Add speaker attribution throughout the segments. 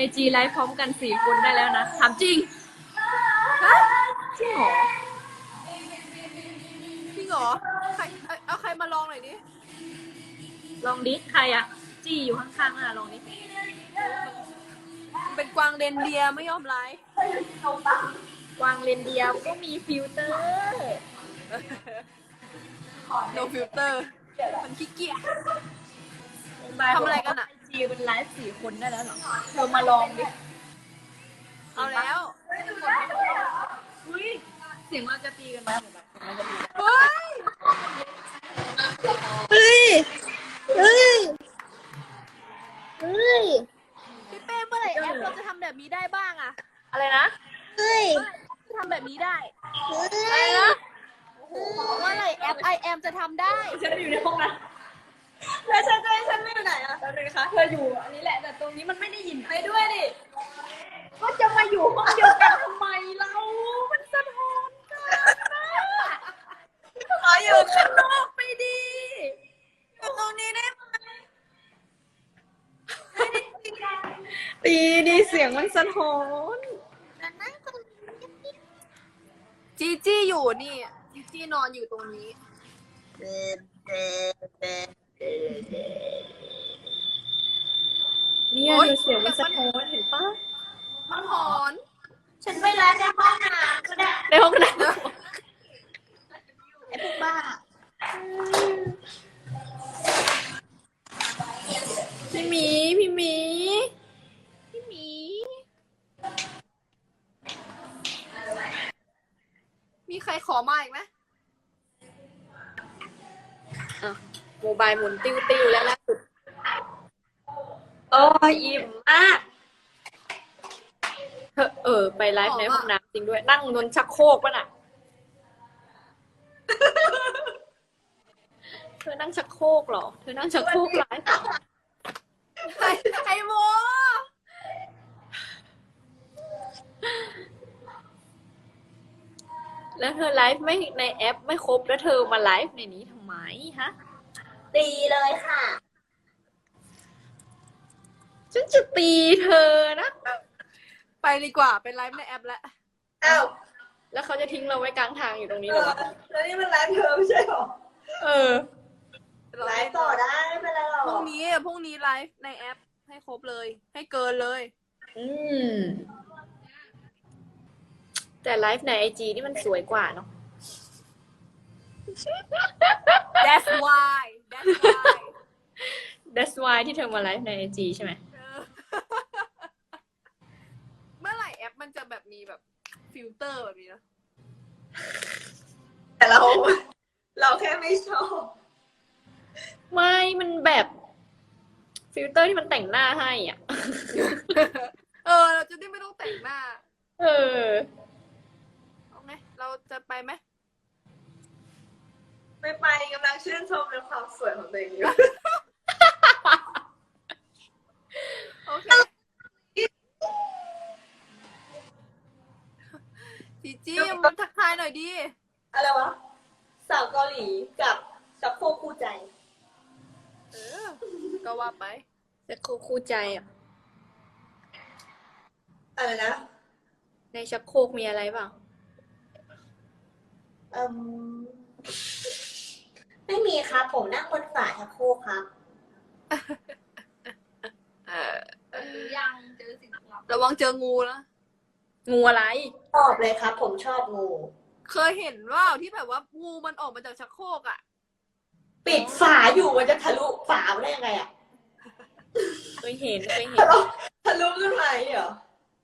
Speaker 1: IG ไลฟ์พร้อมกัน4 คนได้แล้วนะถามจริงจริงเหรอ
Speaker 2: จริงเหรอใครเอาใครมาลองหน่อยดิ
Speaker 1: ลองดิใครอะจี้อยู่ข้างๆน่ะลองดิ
Speaker 2: มันเป็นกวางเรนเดียร์ไม่ยอมไลฟ์
Speaker 1: กวางเรนเดียร์ก็มีฟิลเตอร์
Speaker 2: no filter มันขี้เกียจ
Speaker 1: บาย
Speaker 2: ทำอะไรกันอะ
Speaker 1: IG เป็นไลฟ์4 คนได้แล้วเหรอเธอมาลองดิ
Speaker 2: เอาแล้ว
Speaker 1: อุ้ยเสียงเราจะตีกันไหมแบบเราจะตีกัน
Speaker 2: เฮ้ย
Speaker 3: เฮ้ย เฮ้ย เฮ้ย
Speaker 2: พี่เป้เมื่อไหร่แอปเราจะทำแบบนี้ได้บ้างอะ
Speaker 1: อะไรนะ
Speaker 3: เฮ้ย
Speaker 2: ทำแบบนี้ได้
Speaker 3: เฮ้ย
Speaker 1: อะไรนะ
Speaker 2: เมื่อไหร่แอป I am จะทำได้
Speaker 1: ฉันอยู่ในห้องนะแล้วฉันไม่อยู่ไหนอะแล้วเลยคะเธออยู่อันนี้แหละแต่ตรงนี้มันไม่ได้ยินไปด้วยดิก็จะมาอยู่ห้องเดียวกันทำไมเรา มันสะท้อนกันนะขออยู่ข้างนอกไปดิอยู่ตรงนี้ได้ไหมตีดีเสียงมันสะท้อน
Speaker 2: จีจี้อยู่นี่จีจี้นอนอยู่ตรงนี้
Speaker 1: เนี่ย
Speaker 2: โอ๊ย
Speaker 1: ดูเสียงมันสะท้อนเห็นปะ
Speaker 2: มันหอน
Speaker 3: ฉันไปร้านในห้องน้ำก็ได้
Speaker 1: ในห้องน้
Speaker 3: ไอ้พวกบ้า
Speaker 1: ำพี่หมีพี่หมี
Speaker 2: พี่หมี มีใครขอมาอีกไหม
Speaker 1: โมบายหมุนติ้วติ้วแล้วล่าสุดโอ้ยอิ่มมากไปไลฟ์ในห้องน้ำจริงด้วย นั่งบนชักโครกป่ะน่ะ เธอนั่งชักโครกเหรอ เธอนั่งชักโครกไลฟ์เหรอ
Speaker 2: ไอโม
Speaker 1: แล้วเธอไลฟ์ไม่ในแอปไม่ครบแล้วเธอมาไลฟ์ในนี้ทำไมฮะ
Speaker 3: ตีเลยค่ะ
Speaker 1: ฉันจะตีเธอนะ
Speaker 2: ไปดีกว่าเป็นไลฟ์ในแอปแล้ว
Speaker 3: อ้าว
Speaker 1: แล้วเขาจะทิ้งเราไว้กลางทางอยู่ตรงนี้เหรอวะ
Speaker 3: แล้วนี่มันไลฟ์เธอไม่ใช่หรอ
Speaker 1: เออ
Speaker 3: ไลฟ์ต่อได้ไม่เป็นไรหรอก
Speaker 2: พรุ่งนี้ไลฟ์ในแอปให้ครบเลย ให้เกินเลย
Speaker 1: อืม แต่ไลฟ์ในไอจีนี่มันสวยกว่าเนาะ
Speaker 2: That's why
Speaker 1: That's why ที่เธอมาไลฟ์ในไอจีใช่ไหม
Speaker 2: เออ เมื่อไหร่แอปมันจะแบบมีแบบฟิลเตอร์แบบนี้นะ
Speaker 3: แต่เราแค่ไม่ชอบ
Speaker 1: ไม่ มันแบบฟิลเตอร์ที่มันแต่งหน้าให้อ่ะ
Speaker 2: เราจะได้ไม่ต้องแต่งหน้า
Speaker 1: เออ
Speaker 2: เอาไงเราจะไปไหม
Speaker 3: ไม่ไปกำลังชื่นชมในความสวยของตัวเองอยู่
Speaker 2: โอเคจีจี้มันทักทายหน่อยดิ
Speaker 3: อะไรวะ สาวเกาหลีกับชักโครกคู่ใจ
Speaker 2: เออ ก็ว่าไป
Speaker 1: จะคู่ใจอ่ะ
Speaker 3: อะไรนะ
Speaker 1: ในชักโครกมีอะไรเปล่า
Speaker 3: ไม่มีครับผมนั่งบนฝาชักโครกครับ
Speaker 1: ยังเจอสิ่งลับ
Speaker 2: ระวังเจองูนะ
Speaker 1: งูอะไร
Speaker 3: ชอบเลยครับ ผมชอบงู
Speaker 2: เคยเห็นว่าที่แบบว่างูมันออกมาจากชักโครกอ่ะ
Speaker 3: ปิดฝาอยู่มันจะทะลุฝาได้ยังไงอะ
Speaker 1: เคยเห็น
Speaker 3: ทะลุขึ้นมาเหรอ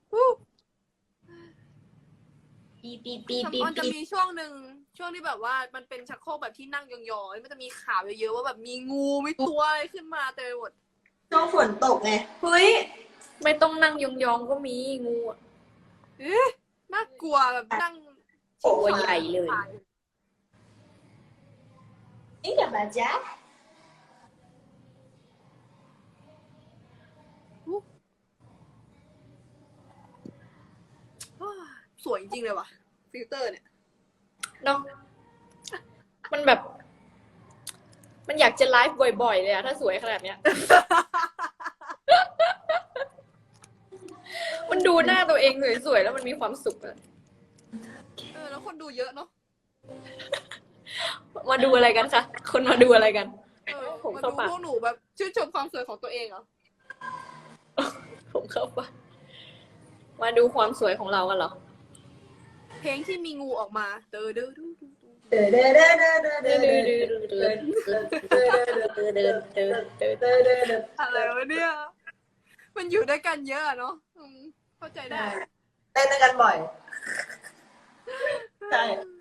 Speaker 3: ปีปีปีปี
Speaker 2: มันจะ
Speaker 3: ปี
Speaker 2: มีช่วงหนึ่งช่วงที่แบบว่ามันเป็นชักโครกแบบที่นั่งยองๆมันจะมีข่าวเยอะๆว่าแบบมีงูมีตัวอะไรขึ้นมาเต็มไปหมด
Speaker 3: ช่วงฝนตกไงเฮ้ย
Speaker 1: ไม่ต้องนั่งยองๆก็มีงูอะ
Speaker 2: เอ๊ะน่ากลัวแบบนั่ง
Speaker 1: ตัวใหญ่เลย
Speaker 3: นี่เดี๋ยวมาจ้า
Speaker 2: สวยจริงๆเลยว่ะฟิลเตอร์เนี่ย
Speaker 1: เนาะมันแบบ มันอยากจะไลฟ์บ่อยๆเลยอะถ้าสวยขนาดเนี้ยมันดูหน้าตัวเองสวยๆแล้วมันมีความสุขอะ
Speaker 2: แล้วคนดูเยอะเนาะ
Speaker 1: มาดูอะไรกันคะคนมาดูอะไรกัน ผม
Speaker 2: มา
Speaker 1: เข้า
Speaker 2: ดู
Speaker 1: ปาก
Speaker 2: พวกหนูแบบชื่นชมความสวยของตัวเองเหรอ
Speaker 1: ผมเข้าปากมาดูความสวยของเรากันเหรอ
Speaker 2: เพลงที่มีงูออกมาเด้อเด้อดู อะไรวะเนี่ย มันอยู่ด้วยกันเยอะเนาะเข้าใจได้
Speaker 3: เต้นกันบ่อย ใช่